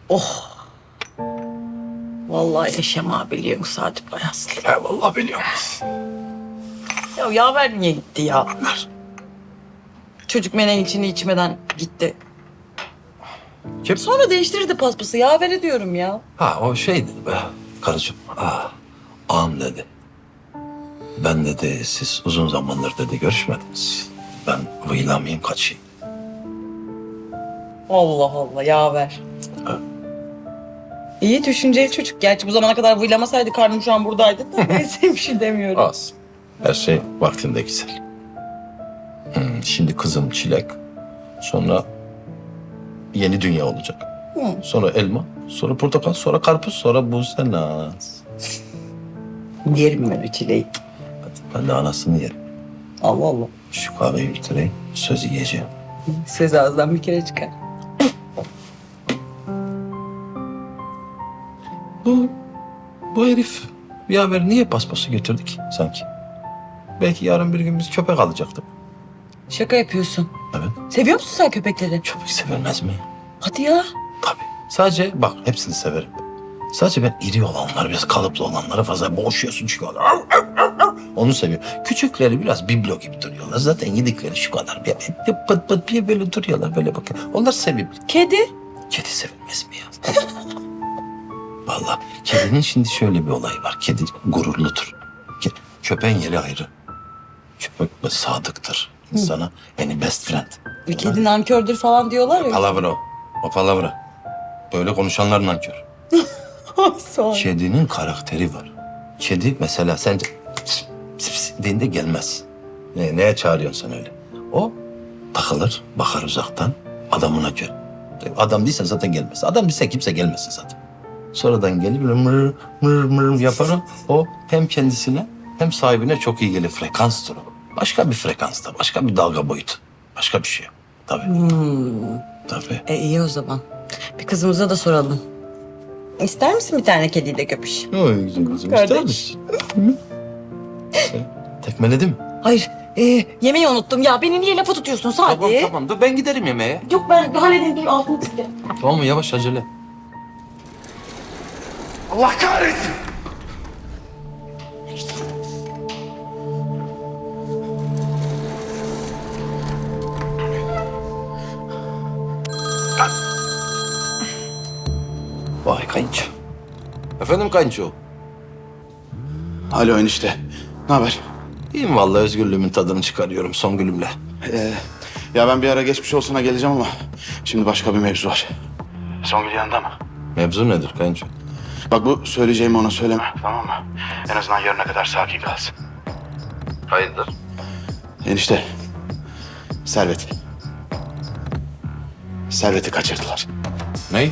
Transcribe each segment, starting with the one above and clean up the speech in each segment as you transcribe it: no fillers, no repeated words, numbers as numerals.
Oh. Vallahi Eşem abi biliyorsun Sadık Bayaslı. Ya vallahi biliyorum. Ya yaver niye gitti ya? Çocuk menen içini içmeden gitti. Kim? Sonra değiştirdi paspası. Yaver diyorum ya. Ha o şey dedi be karıcığım. Ağam dedi. Ben dedi siz uzun zamandır dedi görüşmediniz. Ben vıylamayayım kaçayım. Allah Allah yaver. Ha. İyi düşünceli çocuk. Gerçi bu zamana kadar vıylamasaydı karnım şu an buradaydı da neyse bir şey demiyorum. Az. Her şey vaktinde güzel. Şimdi kızım çilek. Sonra yeni dünya olacak. Sonra elma. Sonra portakal. Sonra karpuz. Sonra buzenaz. Yerim ben o çileği. Ben de anasını yerim. Allah Allah. Şu kahveyi bitireyim. Söz yiyeceğim. Söz ağızdan bir kere çıkar. Bu herif yaver niye paspası götürdük sanki? Belki yarın bir gün biz köpek alacaktık. Şaka yapıyorsun. Evet. Seviyor musun sen köpekleri? Köpek sevilmez mi? Hadi ya. Tabii. Sadece bak hepsini severim. Sadece ben iri olanları, biraz kalıplı olanları fazla boğuşuyorsun çünkü onlar. Onu seviyor. Küçükleri biraz biblo gibi duruyorlar. Zaten yedikleri şu kadar. Bir pıt pıt bir böyle duruyorlar böyle bakın. Onlar sevimli. Kedi? Kedi sevilmez mi ya? Vallahi kedinin şimdi şöyle bir olayı var. Kedi gururludur. Köpeğin yeri ayrı. Köpek sadıktır insana. Yani best friend. Kedi nankördür falan diyorlar ya. Palavra o. O palavra. Böyle konuşanlar nankör. Sonra. Kedinin karakteri var. Kedi mesela sence dediğinde gelmez. Neye çağırıyorsun sen öyle? O takılır, bakar uzaktan adamına göre. Adam değilse zaten gelmez. Adam değilse kimse gelmesin zaten. Sonradan gelip böyle mır mır mır yapar o hem kendisine hem sahibine çok iyi gelir. Frekanstır o. Başka bir frekansta, başka bir dalga boyutu. Başka bir şey. Tabii. Tabii. İyi o zaman. Bir kızımıza da soralım. İster misin bir tane kediyle köpüş? Oy güzel kızım. Kardeş. İster misin? Tekmeledi mi? Hayır. Yemeği unuttum ya. Beni niye lafa tutuyorsun Sadi? Tamam. Dur ben giderim yemeğe. Yok ben halledeyim. Bir altını çizeceğim. Tamam mı? Yavaş acele. Allah kahretsin! Vay kayınço. Efendim kayınço. Alo enişte. Ne haber? İyiyim vallahi özgürlüğümün tadını çıkarıyorum son gülümle. Ya ben bir ara geçmiş olsuna geleceğim ama şimdi başka bir mevzu var. Songül yanında mı? Mevzu nedir kayınço? Bak bu söyleyeceğimi ona söyleme, tamam mı? En azından yarına kadar sakin kalsın. Hayırdır? Enişte, Servet. Servet'i kaçırdılar. Ney?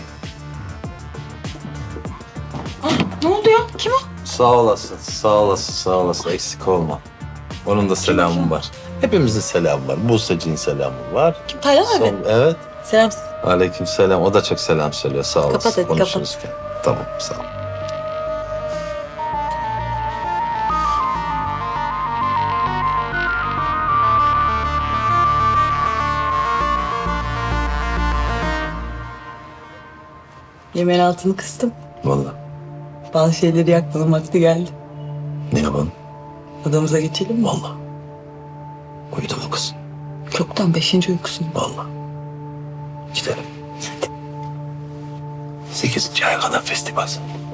Ne oldu ya? Kim o? Sağ olasın, sağ olasın, sağ olasın. Eksik olma. Onun da selamı var. Hepimizin selamı var. Buse'cinin selamı var. Kim? Taylan abi. Evet. Selam. Aleyküm selam. O da çok selam söylüyor. Sağ olasın. Kapat hadi, Konuşuruz. Tamam, sağ ol. Yemeğin altını kıstım. Vallahi. Bazı şeyleri yakmanın vakti geldi. Ne yapalım? Odamıza geçelim mi? Vallahi. Uyudu mu kız? Çoktan 5. uykusunda. Vallahi. Gidelim. 8. aya kadar festival.